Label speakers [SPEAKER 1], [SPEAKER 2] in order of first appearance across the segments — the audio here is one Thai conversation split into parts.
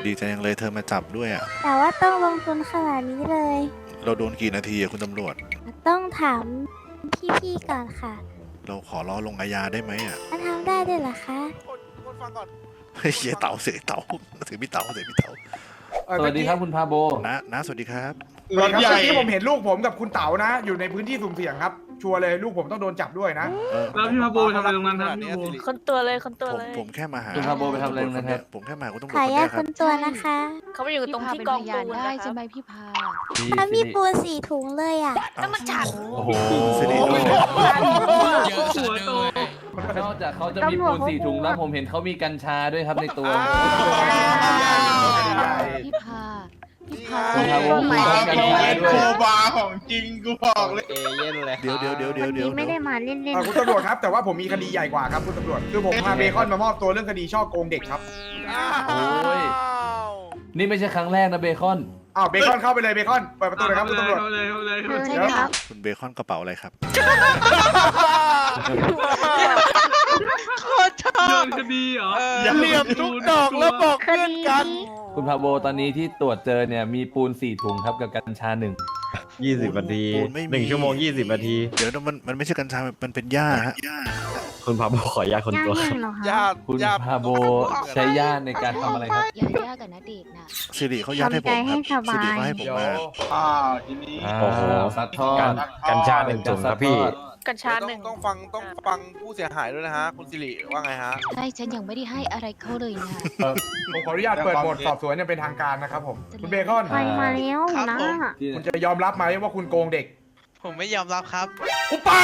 [SPEAKER 1] ดีใจยังเลยเธอมาจับด้วยอ่ะ
[SPEAKER 2] แต่ว่าต้องลงทุนขนาดนี้เลย
[SPEAKER 1] เราโดนกี่นาทีอะคุณตำรวจ
[SPEAKER 2] ต้องถามพี่ๆก่อนค่ะ
[SPEAKER 1] เราขอรอลงอาญาได้ไหมอ่ะ
[SPEAKER 2] มันทำได้ด้วยเหรอคะ
[SPEAKER 3] คนฟังก่อน
[SPEAKER 1] เฮ้ยเหี้ยเต่าเสียเต่าเสียพี่เต่าเสียพี่เต่า
[SPEAKER 4] สวัสดีครับคุณพาโบ
[SPEAKER 1] นะสวัสดีครับ
[SPEAKER 4] รถใหญ่ที่ผมเห็นลูกผมกับคุณเต๋านะ อยู่ในพื้นที่สุ่มเสี่ยงครับ ชัวร์เลยลูกผมต้องโดนจับด้วยนะ
[SPEAKER 5] แล้วพี่มาโบทำอะไรตรงนั้นครับพี่มาโบ
[SPEAKER 6] คนตัวเลยคนตัว
[SPEAKER 1] ผม
[SPEAKER 6] เลย
[SPEAKER 1] ผมแค่มาหา
[SPEAKER 7] คุณพาโบไปทำอะไรนะครับ
[SPEAKER 1] ผมแค่มาคุณตำรวจ
[SPEAKER 2] ขอ
[SPEAKER 1] คน
[SPEAKER 2] อนุ
[SPEAKER 1] เนี้
[SPEAKER 2] ญาย ต
[SPEAKER 1] ค
[SPEAKER 2] ครับ นตัวนะคะ
[SPEAKER 6] เขาไปอยู่ตรงที่กองปูน
[SPEAKER 8] ได้
[SPEAKER 6] นะค
[SPEAKER 8] ใช่
[SPEAKER 6] รับ
[SPEAKER 8] ไหมพี่พา
[SPEAKER 2] ถ้ามีปูน4 ถุงเลยอ่ะ
[SPEAKER 6] แล้วมันจัด
[SPEAKER 7] โอ้โห
[SPEAKER 1] สิริ
[SPEAKER 5] หัวโต
[SPEAKER 7] นอกจากเขาจะมีปูน4 ถุงแล้วผมเห็นเขามีกัญชาด้วยครับในตัว
[SPEAKER 8] พี่พา พี่พา
[SPEAKER 7] คุณพาโบมีกัญชาด้วย
[SPEAKER 3] บาของจริงกูบอกเลย
[SPEAKER 1] เดี๋ยว
[SPEAKER 2] ไม่ได้มาเล่น
[SPEAKER 4] คุณตำรวจครับ แต่ว่าผมมีคดีใหญ่กว่าครับคุณตำรวจ คือผมพาเบคอนมามอบตัวเรื่องคดีช่อโกงเด็กครับ
[SPEAKER 7] โอ้ย นี่ไม่ใช่ครั้งแรกนะเบคอน
[SPEAKER 4] อ้าวเบคอนเข้าไปเลยเบคอน เปิดประตูเลยครับคุณตำรวจ
[SPEAKER 5] เอาเลยเอาเลยเอาเลย
[SPEAKER 8] ใช่ครับ
[SPEAKER 1] คุณเบคอนกระเป๋าอะไรครับ
[SPEAKER 5] โดนคดีเหรอ
[SPEAKER 3] อย่าเหลี่ยมทุกดอกแล้วบอกเพื่อนกัน
[SPEAKER 7] คุณพาโบตอนนี้ที่ตรวจเจอเนี่ยมีปูน4 ถุงครับกับกัญชา1
[SPEAKER 9] 20 นาที
[SPEAKER 1] ปูนไม่มี
[SPEAKER 9] 1 ชั่วโมง 20 นาที
[SPEAKER 1] เดี๋ยวมันไม่ใช่กัญชา มันเป็นหญ้าฮะ
[SPEAKER 9] คุณพาโบขออนุญาตคนตัวครับ
[SPEAKER 3] ญาติ
[SPEAKER 7] คุณพาโบใช้ย่าในการทำอะไรครับ
[SPEAKER 8] อย่ายากกันนะเด็กนะ
[SPEAKER 1] สิริเขายัดให้ผมครับสิริเขาให้ผมมา
[SPEAKER 3] อ้าวทีนี้
[SPEAKER 7] โอ้โหซัดทอด
[SPEAKER 9] กัญชา1 ถุงครับพี่
[SPEAKER 6] กัญชาหนึ่ง
[SPEAKER 3] ต้องฟังผู้เสียหายด้วยนะฮะ คุณสิริว่าไงฮะ
[SPEAKER 8] ใช่ฉันยังไม่ได้ให้อะไรเขาเลยนะ
[SPEAKER 4] ผมขออนุญาตเปิดโหมดสอบสวนอย่างเป็นทางการนะครับผม คุณเบคอน
[SPEAKER 2] ไปมาแล้วนะ
[SPEAKER 4] คุณจะยอมรับไหมว่าคุณโกงเด็ก
[SPEAKER 3] ผมไม่ยอมรับครับ
[SPEAKER 4] คุณปาก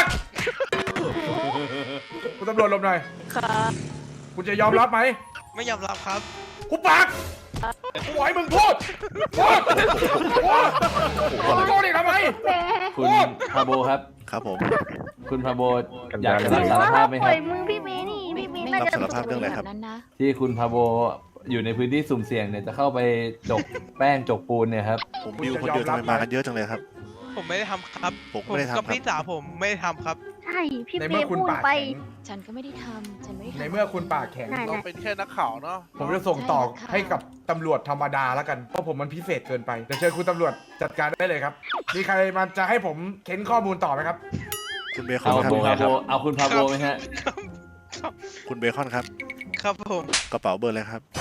[SPEAKER 4] คุณตำรวจหลบหน่อย
[SPEAKER 6] ค่ะ
[SPEAKER 4] คุณจะยอมรับไหม
[SPEAKER 3] ไม่ยอมรับครับ
[SPEAKER 4] คุณปากกูบอกให้มึงพูดพูดมึงโกงเด็กทำไม
[SPEAKER 7] คุณพาโบครับ
[SPEAKER 1] ครับผม
[SPEAKER 7] คุณพาโบอยากจะรับสารภาพไหมครับ
[SPEAKER 2] มือพี่เมย์นี่พี่เมย์
[SPEAKER 8] ไม่
[SPEAKER 2] น่า
[SPEAKER 1] รับ
[SPEAKER 2] จะ
[SPEAKER 1] สารภาพเรื่องอะไรครับ
[SPEAKER 8] นั้นนะ
[SPEAKER 7] ที่คุณพาโบอยู่ในพื้นที่สุ่มเสี่ยงเนี่ยจะเข้าไปจกแป้งจกปูนเนี่ยครับ
[SPEAKER 1] ผมบิวคนเดียวทำไมมากันเยอะจังเลยครับ
[SPEAKER 3] ผมไม่ได้ทำครับ
[SPEAKER 1] ผมไม่ได้ทำครั
[SPEAKER 3] กับบ พี่สาวผมไม่ได้ทำครับ
[SPEAKER 2] ใช่พี่
[SPEAKER 4] ใน
[SPEAKER 2] เม
[SPEAKER 4] เมื่อ
[SPEAKER 2] ย์
[SPEAKER 4] คุณ
[SPEAKER 2] พูด
[SPEAKER 4] ปาก
[SPEAKER 2] ไป
[SPEAKER 4] แข็ง
[SPEAKER 8] ฉันก็ไม่ได้ทำฉันไม่ได้
[SPEAKER 4] ใน
[SPEAKER 8] ทำ
[SPEAKER 4] เมื่อคุณปากแข็ง
[SPEAKER 2] นั่น
[SPEAKER 3] เราเป็นแค่นักข่าวเนาะ
[SPEAKER 4] ผมจะส่งต่อให้กับตำรวจธรรมดาแล้วกัน เพราะผมมันพิเศษเกินไปเดี๋ยวเชิญคุณตำรวจจัดการได้เลยครับ มีใครมาจะให้ผมเค้นข้อมูลต่อไหมครับ
[SPEAKER 1] คุณเบคอ
[SPEAKER 7] เอา
[SPEAKER 1] นครับ
[SPEAKER 7] คุณพาโบเอาคุณพาโบไหมฮะ
[SPEAKER 1] คุณเบคอนครับ
[SPEAKER 3] ครับผม
[SPEAKER 1] กระเป๋าเบอร์อะไรครับ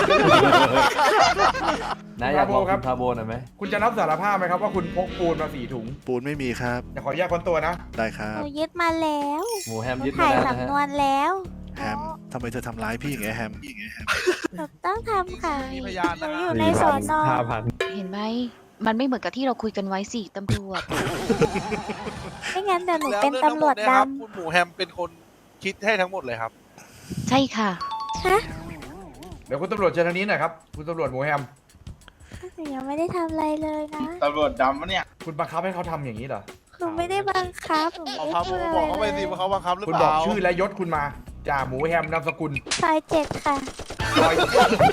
[SPEAKER 7] นะอยากบอกคุณพาโบหน่อยไหม
[SPEAKER 4] คุณจะรับสารภาพไหมครับว่าคุณพกปูนมา4 ถุง
[SPEAKER 1] ปูนไม่มีครับ
[SPEAKER 4] อย่าขออนุญาตคนตัวนะ
[SPEAKER 1] ได้ครั
[SPEAKER 2] ห
[SPEAKER 1] บ
[SPEAKER 2] นูยึดมาแล้ว
[SPEAKER 7] หมูแฮมยึดมา
[SPEAKER 2] ถ่าย
[SPEAKER 7] แล้วนะฮะ
[SPEAKER 2] สำนวนแล้ว
[SPEAKER 1] แฮมทำไมเธอทำร้ายพี่อย่างเงี้ยแฮม
[SPEAKER 2] หนูต้องทำค่ะ
[SPEAKER 3] มีพยาน
[SPEAKER 2] หนู
[SPEAKER 3] นะ
[SPEAKER 2] อ
[SPEAKER 3] ฮะ
[SPEAKER 2] ยู่ในสอนอ
[SPEAKER 8] เห็นไหม มันไม่เหมือนกับที่เราคุยกันไว้สิตำรวจ
[SPEAKER 2] ไม่งั้นเดี๋ยวหนู
[SPEAKER 3] แล้ว
[SPEAKER 2] เป็น
[SPEAKER 3] เรื่องทั้ง
[SPEAKER 2] ตำ
[SPEAKER 3] ห
[SPEAKER 2] ร
[SPEAKER 3] ม
[SPEAKER 2] ว
[SPEAKER 3] ด
[SPEAKER 2] จ
[SPEAKER 3] เนี่ย
[SPEAKER 2] ด
[SPEAKER 3] ครับคุณหมูแฮมเป็นคนคิดให้ทั้งหมดเลยครับ
[SPEAKER 8] ใช่ค่ะ
[SPEAKER 2] ำฮะ
[SPEAKER 4] เดี๋ยวคุณตำรวจเชิญทางนี้หน่อยครับคุณตำรวจหมูแฮม
[SPEAKER 2] หนูยังไม่ได้ทำอะไรเลยนะ
[SPEAKER 3] ตำรวจดำปะเนี่ย
[SPEAKER 4] คุณบังคับให้เขาทำอย่างนี้เหรอ
[SPEAKER 2] หนูไม่ได้บังคับหนู
[SPEAKER 3] เอา
[SPEAKER 2] ไม่
[SPEAKER 3] ครับ
[SPEAKER 2] ได้พูดอะไร
[SPEAKER 3] บอกเขาไปสิ
[SPEAKER 2] เลย
[SPEAKER 3] ว่าเขาบังคับหรือ
[SPEAKER 4] คุณ
[SPEAKER 3] เป
[SPEAKER 4] บอก
[SPEAKER 3] ล่า
[SPEAKER 4] ชื่อและยศคุณมาจ่าหมูแฮมนามสกุล
[SPEAKER 2] ซอย7 ค่ะ
[SPEAKER 4] รอย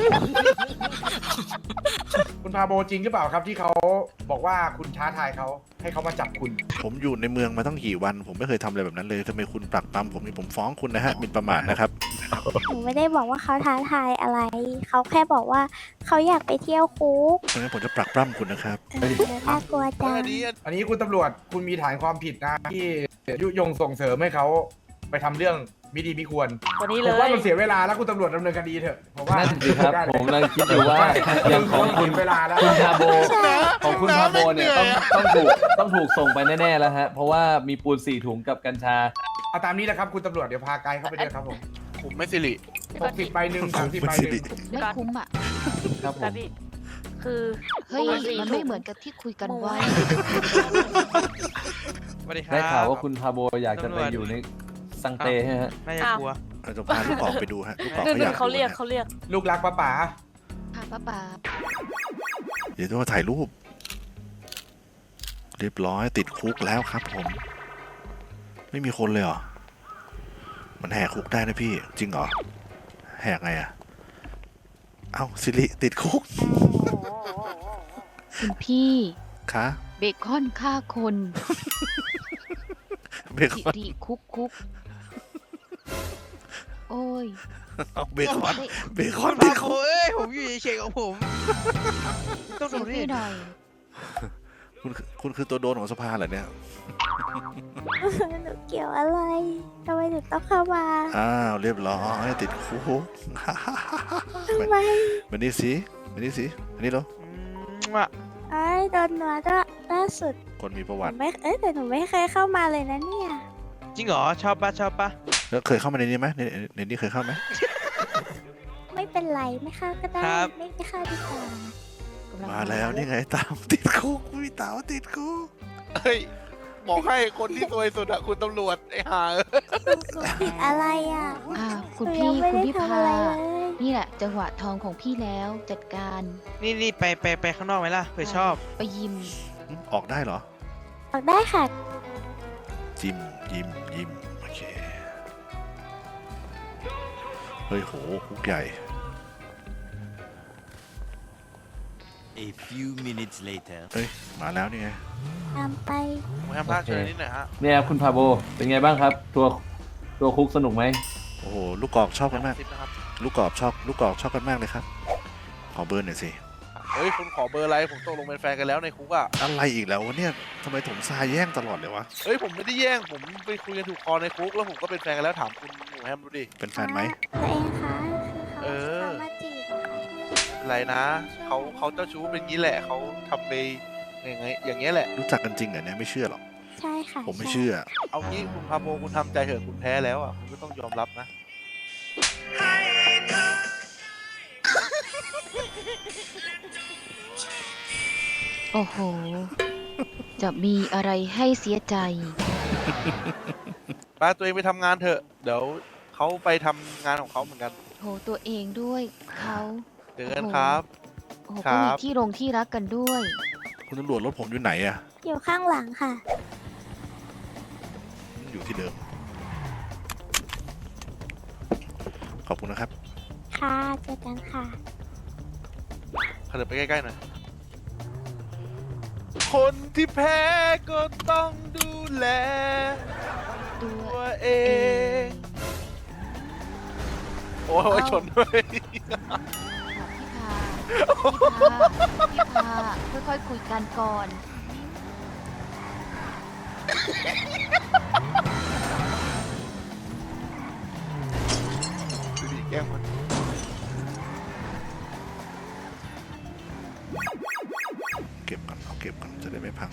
[SPEAKER 4] คุณพาโบจริงหรือเปล่าครับที่เขาบอกว่าคุณท้าทายเขาให้เขามาจับคุณ
[SPEAKER 1] ผมอยู่ในเมืองมาตั้งกี่วัน ผมไม่เคยทำอะไรแบบนั้นเลยทำไมคุณปรักปรำผมนี่ผมฟ้องคุณนะฮะหมิ่นประมาทนะครับ
[SPEAKER 2] หนูไม่ได้บอกว่าเขาท้าทายอะไร เขาแค่บอกว่าเขาอยากไปเที่ยวคุก
[SPEAKER 1] เพราะงั้นผมจะปรักปรำคุณนะครับ
[SPEAKER 2] น่ากลัวจัง
[SPEAKER 3] อันนี้
[SPEAKER 4] อันนี้คุณตำรวจคุณมีฐานความผิดนะที่ยุยงส่งเสริมให้เขาไปทำเรื่องมิดีมิควร
[SPEAKER 6] วันนี้
[SPEAKER 4] ผ
[SPEAKER 6] เล
[SPEAKER 4] ม
[SPEAKER 6] ย
[SPEAKER 4] ว่ามันเสียเวลาแล้วคุณตำรวจดำเนินคดีเถอะผมว่า
[SPEAKER 7] นั่นสิครับ
[SPEAKER 4] ได้เลย
[SPEAKER 7] ผมกำลังคิดอยู่ว่าอย่างของคุณ
[SPEAKER 4] เวลาแล้ว
[SPEAKER 7] คุณพาโบ
[SPEAKER 2] ใช่
[SPEAKER 7] ของคุณพาโบเนี่ยต้องถูกส่งไปแน่ๆแล้วฮะ เพราะว่ามีปูน4 ถุงกับกัญชา
[SPEAKER 4] เอาตามนี้แหละครับคุณตำรวจเดี๋ยวพาไกด์เข้าไปด้วยครับผม
[SPEAKER 3] ผมไม่สิริ
[SPEAKER 4] 60ใบหนึ่ง30ใบหนึ่ง
[SPEAKER 8] ไม่คุ้มอ่ะ
[SPEAKER 7] ครับผ
[SPEAKER 6] แต่
[SPEAKER 7] ม
[SPEAKER 6] พี่คือ
[SPEAKER 8] เฮ้ย
[SPEAKER 6] ปูนสี่
[SPEAKER 8] มัน
[SPEAKER 6] ถุ
[SPEAKER 8] ไม่
[SPEAKER 6] ง
[SPEAKER 8] เหมือนกับที่คุยกันไว้
[SPEAKER 3] สวัสดีครับ
[SPEAKER 7] ได้ข่าวว่าคุณพาโบอยากจะไปอยู่ในสังเตใช่ไหมฮะ
[SPEAKER 3] ไม่จะกลัว
[SPEAKER 1] เราจะพาลูกออกไปดูฮะลูกออก
[SPEAKER 6] หนึ่
[SPEAKER 1] เขาอยาง ก
[SPEAKER 6] เขาเรียก
[SPEAKER 1] ดูนะ
[SPEAKER 6] เขาเรียก
[SPEAKER 4] ลูกรักป้าป๋า
[SPEAKER 8] ค่ะป้าป๋า
[SPEAKER 1] เดี๋ยวต้องมาถ่ายรูป เรียบร้อยติดคุกแล้วครับผม ไม่มีคนเลยเหรอ มันแหกคุกได้นะพี่ จริงเหรอ แหกไงอะเอ้าสิริติดคุก
[SPEAKER 8] คุณพี่
[SPEAKER 1] คะ
[SPEAKER 8] เบคอนฆ่าคน
[SPEAKER 1] เบค
[SPEAKER 8] สิ
[SPEAKER 1] อน
[SPEAKER 8] ริคุก โอ้ย
[SPEAKER 1] เอาเบคอน
[SPEAKER 8] ได้
[SPEAKER 1] เบคอนติดคุก
[SPEAKER 3] เอ้ยผมอยู่เฉยๆของผมต้อง
[SPEAKER 8] เซ
[SPEAKER 3] ดู
[SPEAKER 8] ล
[SPEAKER 3] นี่
[SPEAKER 8] ฟี่หน่อย
[SPEAKER 1] คุณคือตัวโดนของสภาเหรอเนี่ย
[SPEAKER 2] หนูเกี่ยวอะไรทำไมถึงต้องเข้ามา
[SPEAKER 1] อ้าวเรียบร้อยติดคุก
[SPEAKER 2] ทำไม
[SPEAKER 1] มานี่สิมานี่สิอันนี้เหรอ
[SPEAKER 2] ไอ้ยโดนหนวดอะล่าสุด
[SPEAKER 1] คนมีประ
[SPEAKER 2] ห
[SPEAKER 1] วั
[SPEAKER 2] นู
[SPEAKER 1] ติ
[SPEAKER 2] ไม่แต่หนูไม่เคยเข้ามาเลยนะเนี่ย
[SPEAKER 3] จริงเหรอชอบปะชอบปะ
[SPEAKER 1] แล้วเคยเข้ามาในนี้ไหมในนี้เคยเข้าไหม
[SPEAKER 2] ไม่เป็นไรไม่เข้าก็ได้ไม่เข้าดีกว่า
[SPEAKER 1] มาแล้วนี่ไงตามติดคุกพี่เต๋าติดคุก
[SPEAKER 3] เฮ้ยบอกให้คนที่ซวยสุดอะคุณตำรวจไอ้ห่า
[SPEAKER 2] หนูผิดอะไรอ่ะ
[SPEAKER 8] คุณ
[SPEAKER 2] หนู
[SPEAKER 8] พี่
[SPEAKER 2] ยังไม่
[SPEAKER 8] คุณ
[SPEAKER 2] ได้
[SPEAKER 8] พี่
[SPEAKER 2] ทำ
[SPEAKER 8] พา
[SPEAKER 2] อะไรเลย
[SPEAKER 8] นี่แหละ จังหวะทองของพี่แล้วจัดการ
[SPEAKER 3] นี่ไปข้างนอกไหมล่ะเผื่อชอบ
[SPEAKER 8] ไปยิม
[SPEAKER 1] ออกได้เหรอ
[SPEAKER 2] ออกได้ค่ะ
[SPEAKER 1] จิมยิมโอเคเฮ้ยโหคุกใหญ่
[SPEAKER 10] A few minutes later
[SPEAKER 1] เฮ้ยมาแล้วนี่ไง
[SPEAKER 2] ตามไป
[SPEAKER 3] ผมทำท่าเชิญนิดหน่อยฮะ
[SPEAKER 7] เนี่ยครับคุณพาโบเป็นไงบ้างครับ ตัวคุกสนุกไหม
[SPEAKER 1] โอ้โหลูกกรอกชอบกันมาก
[SPEAKER 3] สิบนะครับ
[SPEAKER 1] ลูกกรอกชอบกันมากเลยครับขอเบอร์หน่อยสิ
[SPEAKER 3] เฮ้ยคุณขอเบอร์อะไรผมตกลงเป็นแฟนกันแล้วในคุกอะ
[SPEAKER 1] อะไรอีกแล้ววะเนี่ยทำไมถมทรายแย่งตลอดเลยวะ
[SPEAKER 3] เฮ้ยผมไม่ได้แย่งผมไปคุยกันถูกคอในคุกแล้วผมก็เป็นแฟนกันแล้วถามคุณหนูแฮมดูดิ
[SPEAKER 1] เป็นแฟนไหม
[SPEAKER 2] ตัวเองคะคือ
[SPEAKER 3] เออ
[SPEAKER 2] เขามาจีบอะค่ะ
[SPEAKER 3] อะไรนะเขาเจ้าชู้เป็นงี้แหละเขาทำไปอย่างเงี้ยแหละ
[SPEAKER 1] รู้จักกันจริงเหรอเนี่ยไม่เชื่อหรอก
[SPEAKER 2] ใช่ค่ะ
[SPEAKER 1] ผมไม่
[SPEAKER 2] ใ
[SPEAKER 1] เชื่อ
[SPEAKER 3] เอางี้คุณพาโบคุณทำใจเถอะคุณแพ้แล้วอ่ะคุณก็ต้องยอมรับนะ
[SPEAKER 8] โอ้โห จะมีอะไรให้เสียใจ
[SPEAKER 3] ไปตัวเองไปทำงานเถอะเดี๋ยวเขาไปทำงานของเขาเหมือนกัน
[SPEAKER 8] โหตัวเองด้วยเขา
[SPEAKER 3] เจอกันครับ
[SPEAKER 8] โอ้โห
[SPEAKER 3] ครั
[SPEAKER 8] ก็
[SPEAKER 3] บ
[SPEAKER 8] มีที่ลงที่รักกันด้วย
[SPEAKER 1] คุณตำรวจรถผมอยู่ไหนอะ
[SPEAKER 2] อยู่ข้างหลังค่ะ
[SPEAKER 1] อยู่ที่เดิม ขอบคุณนะครับ
[SPEAKER 2] ค่ะเจอกันค่ะ
[SPEAKER 3] ขยับไปใกล้ๆหน่อยคนที่แพ้ก็ต้องดูแล
[SPEAKER 8] ตั
[SPEAKER 3] ตัวเองโอ้ยชนด้วย
[SPEAKER 8] พี่พาค่อยๆคุยกันก่อน
[SPEAKER 3] ดูดิแกล้งมัน
[SPEAKER 1] เก็บกันเอาเก็บกันจะได้ไม่พัง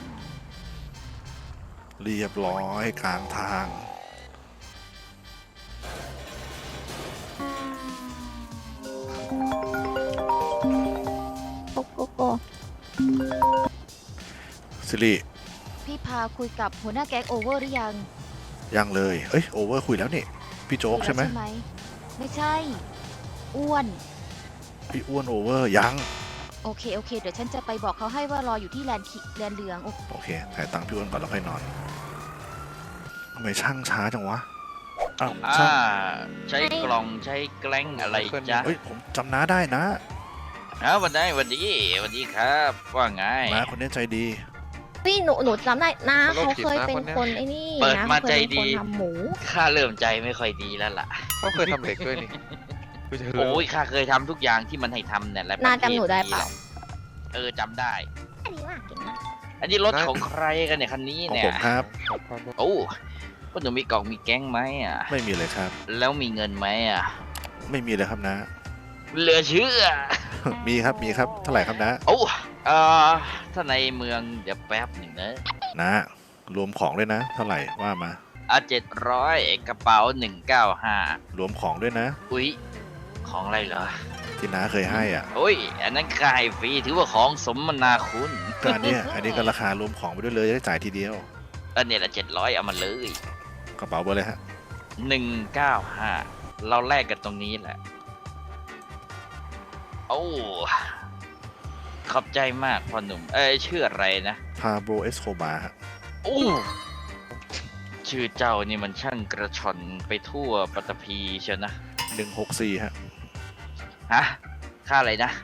[SPEAKER 1] เรียบร้อยกลางทาง
[SPEAKER 2] โกโกโก
[SPEAKER 1] สิริ
[SPEAKER 8] พี่พาคุยกับหัวหน้าแก๊งโอเวอร์หรือยัง
[SPEAKER 1] ยังเลย เอ้ยโอเวอร์คุยแล้วนี่ พี่โจ๊กใช่ไหม
[SPEAKER 8] ไม่ใช่ อ้วน
[SPEAKER 1] พี่อ้วนโอเวอร์ยัง
[SPEAKER 8] โอเค เดี๋ยวฉันจะไปบอกเขาให้ว่ารออยู่ที่แลนด์เหลืองโอ
[SPEAKER 1] โอเคถ่ายตังค์พี่อ้วนก่อนแล้วค่อยนอนทำไมช่างช้าจังวะ อ้าวช่าง
[SPEAKER 10] ใช้กล่องใช้แกล้งอะไรจ๊ะ
[SPEAKER 1] เฮ้ยผมจำน้าได้นะ
[SPEAKER 10] วันดีครับ ว่าไง
[SPEAKER 1] น้าคนนี้ใจดี
[SPEAKER 11] พี่หนูจำได้นะเขาเคยเป็นคนไอ้นี่
[SPEAKER 10] เปิด
[SPEAKER 11] นะ
[SPEAKER 10] มา
[SPEAKER 11] เขาเค
[SPEAKER 10] ใจ
[SPEAKER 11] ยเป็น
[SPEAKER 10] ดี
[SPEAKER 11] คนทำหมู
[SPEAKER 10] ข้าเริ่มใจไม่ค่อยดีแล้วล่ะ
[SPEAKER 3] เขาเคยทำเด็กด้วยนี่
[SPEAKER 10] โอ้ยข้าเคยทำทุกอย่างที่มันให้ทำเนี่ยแหละ
[SPEAKER 11] นาจำหนูได้เปล่า
[SPEAKER 10] จำได้
[SPEAKER 11] อันนี้ว่าเก่งนะ
[SPEAKER 10] อันนี้รถของใครกันเนี่ยคันนี้
[SPEAKER 1] ของ
[SPEAKER 10] เนี่ย
[SPEAKER 1] ผมครับ
[SPEAKER 10] โอ้ว่าหนูมีกล่องมีแก๊งไหมอ่ะ
[SPEAKER 1] ไม่มีเลยครับ
[SPEAKER 10] แล้วมีเงินไหมอ่ะ
[SPEAKER 1] ไม่มีเลยครับนะ
[SPEAKER 10] เหลือเชื่อ
[SPEAKER 1] มีครับมีครับเท่าไหร่ครับนะ
[SPEAKER 10] โอ้ถ้าในเมืองเดี๋ยวแป๊บหนึ่งนะ
[SPEAKER 1] นะรวมของด้วยนะ เท่าไหร่ว่ามา
[SPEAKER 10] 700กระเป๋า195
[SPEAKER 1] รวมของด้วยนะ
[SPEAKER 10] อุ๊ย ของอะไรเหรอ
[SPEAKER 1] ที่น้าเคยให้อ่ะ
[SPEAKER 10] โอ้ย อันนั้นขายฟรีถือว่าของสมนาคุณ
[SPEAKER 1] ก็อันเนี้ยอันนี้ก็ราคารวมของไปด้วยเลยจะได้จ่ายทีเดียว
[SPEAKER 10] อันนี้ละ700เอามาเลย
[SPEAKER 1] กระเป๋าเบอร์เลยฮะ
[SPEAKER 10] 195 เราแลกกันตรงนี้แหละ โอ้ ขอบใจมากพ่อหนุ่ม ชื่ออะไรนะ
[SPEAKER 1] พาโบเอสโคบาฮะ
[SPEAKER 10] โอ้ ชื่อเจ้านี่มันช่างกระชอนไปทั่วปัตตภีเชียวนะ
[SPEAKER 1] 164ฮะ
[SPEAKER 10] ฮะ ค่าอะไรนะ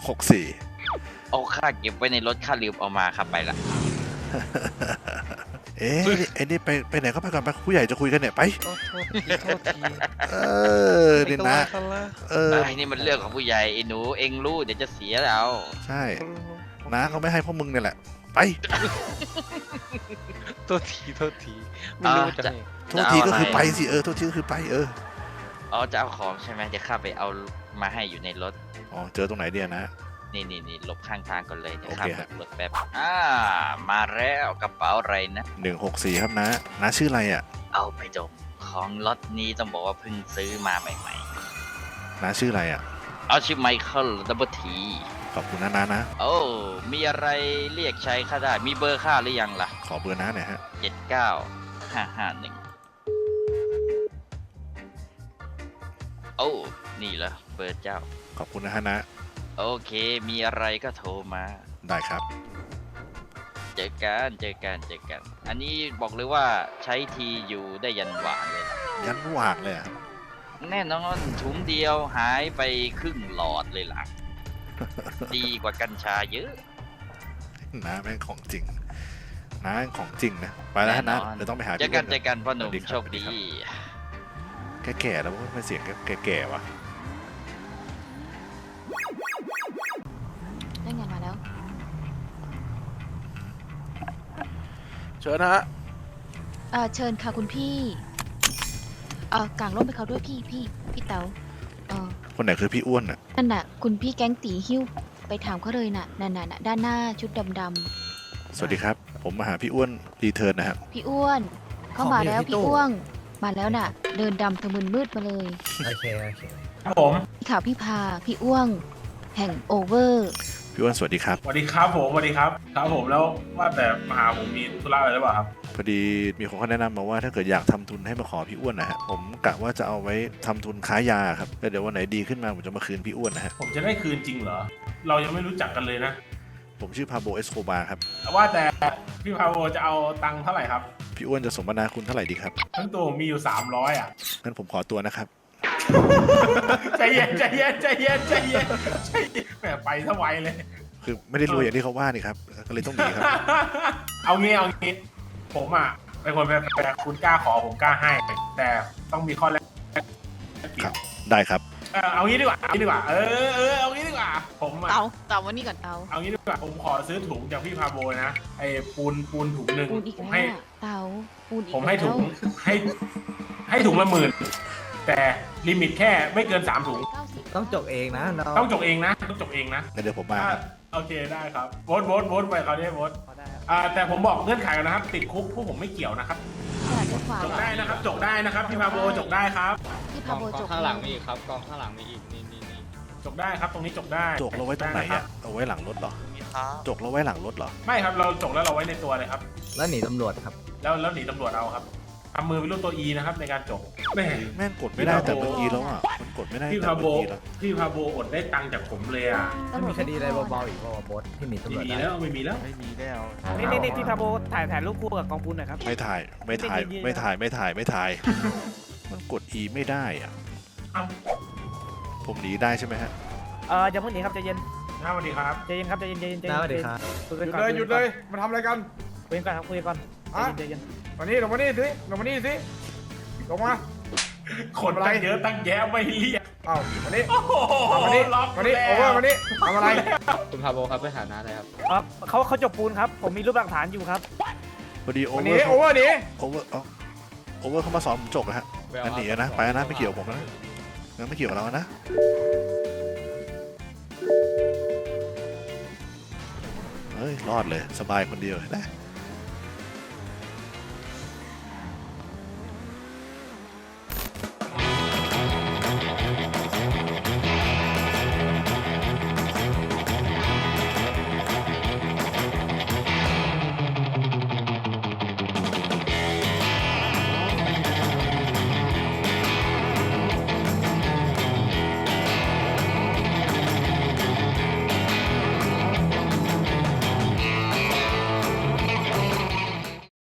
[SPEAKER 1] 164
[SPEAKER 10] เอาค่าเก็บไว้ในรถค่าลืมเอามาครับไปละ
[SPEAKER 1] เอ๊ะไอ้นี่ไปไหนก็ไปก่อนไปผู้ใหญ่จะคุยกันเนี่ยไป
[SPEAKER 3] โทษที
[SPEAKER 1] นี่นะ
[SPEAKER 10] ไอ้นี่มันเรื่องของผู้ใหญ่ไอ้หนูเองรู้เดี๋ยวจะเสียเอา
[SPEAKER 1] ใช่น้าเขาไม่ให้พวกมึงเนี่ยแหละไป
[SPEAKER 3] โทษทีไม่รู้จะ
[SPEAKER 1] โทษทีก็คือไปสิโทษทีก็คือไป
[SPEAKER 10] อ๋อจะเอาของใช่ไหมเดี๋ยวข้าไปเอามาให้อยู่ในรถ
[SPEAKER 1] อ๋อเจอตรงไหนเดียนะ
[SPEAKER 10] นี่หลบข้างทางก่อนเลยเดี๋ยว
[SPEAKER 1] โอ
[SPEAKER 10] ข้า
[SPEAKER 1] เค
[SPEAKER 10] เปิ
[SPEAKER 1] ฮะ
[SPEAKER 10] ดรถแป๊บมาแล้วกระเป๋าอะไรนะ
[SPEAKER 1] 164ครับน้าชื่ออะไรอ่ะ
[SPEAKER 10] เอาไปดมของล็อตนี้ต้องบอกว่าเพิ่งซื้อมาใหม่
[SPEAKER 1] น้าชื่ออะไรอ่ะ
[SPEAKER 10] ๆ เอาชื่อไมเคิลดับเบิลที
[SPEAKER 1] ขอบคุณนะนะ
[SPEAKER 10] โอ้มีอะไรเรียกใช้ข้าได้มีเบอร์ข้าหรือยังล่ะ
[SPEAKER 1] ขอเบอร์น้าหน่อยฮะ
[SPEAKER 10] 79551โอ้นี่เหรอเบอร์เจ้า
[SPEAKER 1] ขอบคุณนะฮะนะ
[SPEAKER 10] โอเค มีอะไรก็โทรมา
[SPEAKER 1] ได้ครับ
[SPEAKER 10] เจอกัน อันนี้บอกเลยว่าใช้ทีอยู่ได้ยันหวานเลยล่ะ
[SPEAKER 1] ยันวากเลยอ่ะ
[SPEAKER 10] แน่นอนถุงเดียวหายไปครึ่งหลอดเลยล่ะ ดีกว่ากัญชาเยอะ
[SPEAKER 1] น้าแม่งของจริงน้าแม่งของจริงนะไปแล้วฮะนะ
[SPEAKER 10] แน่นอน
[SPEAKER 1] เดี๋ยวต้องไปหา
[SPEAKER 10] เจอกัน
[SPEAKER 1] พี่
[SPEAKER 10] พ่อหนุ่ม
[SPEAKER 1] สวัสดีครับ
[SPEAKER 10] โชคดี
[SPEAKER 1] แก่ๆแล้วไม่เสียงแก่ๆว่ะ
[SPEAKER 8] ได้งานมาแล้ว
[SPEAKER 3] เชิญนะฮะ
[SPEAKER 8] เชิญค่ะคุณพี่กางร่มไปเขาด้วยพี่เต๋า
[SPEAKER 1] คนไหนคือพี่อ้วนอ่ะ
[SPEAKER 8] นั่นน่ะคุณพี่แก๊งตีหิ้วไปถามเขาเลยน่ะนั่นน่ะด้านหน้าชุดดำ
[SPEAKER 1] สวัสดีครับ ผมมาหาพี่อ้วนรีเทิร์นนะครับ
[SPEAKER 8] ๆพี่อ้วนเข้ามาแล้วพี่อ้วงมาแล้วน่ะ เดินดำทะมึนมืดมาเลย
[SPEAKER 9] โอเค
[SPEAKER 4] ครับผม
[SPEAKER 8] พี่ข่าวพี่พาพี่อ้วงแห่งโอเวอร์
[SPEAKER 1] พี่อ้วนสวัสดีครับ
[SPEAKER 4] สวัสดีครับผมสวัสดีครับครับผมแล้วว่าแต่มาหาผมมีธุระอะไรหรือเปล่าครับ
[SPEAKER 1] พอดีมีคนเขาแนะนำมาว่าถ้าเกิดอยากทำทุนให้มาขอพี่อ้วนนะฮะผมกะว่าจะเอาไว้ทำทุนค้ายาครับแล้วเดี๋ยววันไหนดีขึ้นมาผมจะมาคืนพี่อ้วนนะฮะ
[SPEAKER 4] ผมจะได้คืนจริงเหรอเรายังไม่รู้จักกันเลยนะ
[SPEAKER 1] ผมชื่อพาโบเอสโคบาครับ
[SPEAKER 4] ว่าแต่พี่พาโวจะเอาตังค์เท่าไหร่ครับ
[SPEAKER 1] พี่อ้วนจะสมนาคุณเท่าไหร่ดีครับ
[SPEAKER 4] ทั้งตัวผมมีอยู่300อ่ะ
[SPEAKER 1] งั้นผมขอตัวนะครับ
[SPEAKER 4] ใจเย็นแหมไปซะไวเลย
[SPEAKER 1] คือไม่ได้รวยอย่างที่เขาว่านี่ครับก็เลยต้องหนีครับ
[SPEAKER 4] เอางี้ผมอ่ะเป็นคนแฟร์ๆคุณกล้าขอผมกล้าให้ แต่ต้องมีข้อแรก
[SPEAKER 1] ครับ ได้ครับ
[SPEAKER 4] เอางี้ดีกว่าเอางี้ดีกว่าผมอ่ะ
[SPEAKER 8] เต๋าวันนี้ก่อนเต๋า
[SPEAKER 4] เอางี้ดีกว่าผมขอซื้อถุงจากพี่พาโบนะไอ้ปูนถุงหนึ่ง
[SPEAKER 8] ปูนอีก
[SPEAKER 4] ผม
[SPEAKER 8] แล้ว
[SPEAKER 4] ให้
[SPEAKER 8] อะเต๋าปูนอีก
[SPEAKER 4] ผมให้ถุง
[SPEAKER 8] แล้ว
[SPEAKER 4] ให้ถุงละ10,000แต่ลิมิตแค่ไม่เกิน3ถุง
[SPEAKER 8] 90
[SPEAKER 9] ต้องจกเองนะ
[SPEAKER 4] ต้องจกเองนะ
[SPEAKER 1] งั้นเดี๋ยวผมมาครับ
[SPEAKER 4] โอเคได้ครับโบ๊ทไปเขาได้โบ๊ทแต่ผมบอกเงื่อนไขกันนะครับ ติดคุกพวกผมไม่เกี่ยวนะครับ
[SPEAKER 8] ขนาดจะขวา
[SPEAKER 4] จกได้นะครับจกได้นะครับพี่พาโบจกได้ครับ
[SPEAKER 8] พี่พาโบจบ
[SPEAKER 9] ข้างหลังมีอีกครับกองข้างหลังมีอีกนี่
[SPEAKER 4] จกได้ครับตรงนี้จกได้
[SPEAKER 1] จกเราไว้ตรงไหน
[SPEAKER 4] จกด้
[SPEAKER 1] อ่ะ
[SPEAKER 4] คบ
[SPEAKER 1] เอาไว้หลังรถเหรอจกเราไว้หลังรถเหรอ
[SPEAKER 4] ไม่ครับเราจกแล้วเราไว้ในตัวเลยครับ
[SPEAKER 9] แล้วหนีตำรวจครับ
[SPEAKER 4] แล้วหนีตำรวจเอาครับทำมือเป็นรูปตัว E นะครับในการจกแม่
[SPEAKER 1] แม่งกดไม่ได้แต่เมื่อกี้แล้วอ่ะมันกดไม่ได้
[SPEAKER 4] พี่
[SPEAKER 1] แต่
[SPEAKER 4] พาโบ
[SPEAKER 1] เมื่อกี้แล้ว
[SPEAKER 4] อดได้ตังค์จากผมเลยอ่ะ
[SPEAKER 9] ไม่มีคดีอะไรเบาๆอีกว่าบอสที่หนีตำรวจ
[SPEAKER 4] ไม่มี
[SPEAKER 9] ได้
[SPEAKER 4] แล้วไม่มีแล้ว
[SPEAKER 5] นี่พี่พาโบถ่ายรูปคู่กับกองปูนหน่อยครับ
[SPEAKER 1] ไม่ถ่าย มันกด E ไม่ได้อ่ะ
[SPEAKER 4] เอ้า
[SPEAKER 1] ผมหนีได้ใช่ไหมฮะ
[SPEAKER 5] อย่าเพิ่งหนีครับใจเย็น
[SPEAKER 4] สวัสดีครับ
[SPEAKER 5] ใจเย็นครับใจเย็น
[SPEAKER 9] น้าสวัสดีครับ
[SPEAKER 5] คุยกันก่อน
[SPEAKER 4] หยุดเลยมาทำอะไรกัน
[SPEAKER 5] คุยกันก่อนครับคุยกันก่อนใจเย็น
[SPEAKER 4] มานี่ลงมานี่สิลงมาคนตั้งเยอะตั้งแยะไม่เรียกเอ้ามานี่มานี่โอเวอร์มานี่ทำอะไร
[SPEAKER 9] คุณพาโบครับไปหาน้าเลยครับ
[SPEAKER 5] เขาจบปูนครับผมมีรูปหลักฐานอยู่ครับ
[SPEAKER 1] พอดีโอ
[SPEAKER 4] วัน
[SPEAKER 1] เวอ
[SPEAKER 4] นี้
[SPEAKER 1] ร์
[SPEAKER 4] โอเวอร์หนี
[SPEAKER 1] โอเวอร์เขามาสอนผมจกนะฮะงั้นหนีนะไปนะไม่เกี่ยวกับผมนะงั้นไม่เกี่ยวกับเรานะเฮ้ยรอดเลยสบายคนเดียวนะ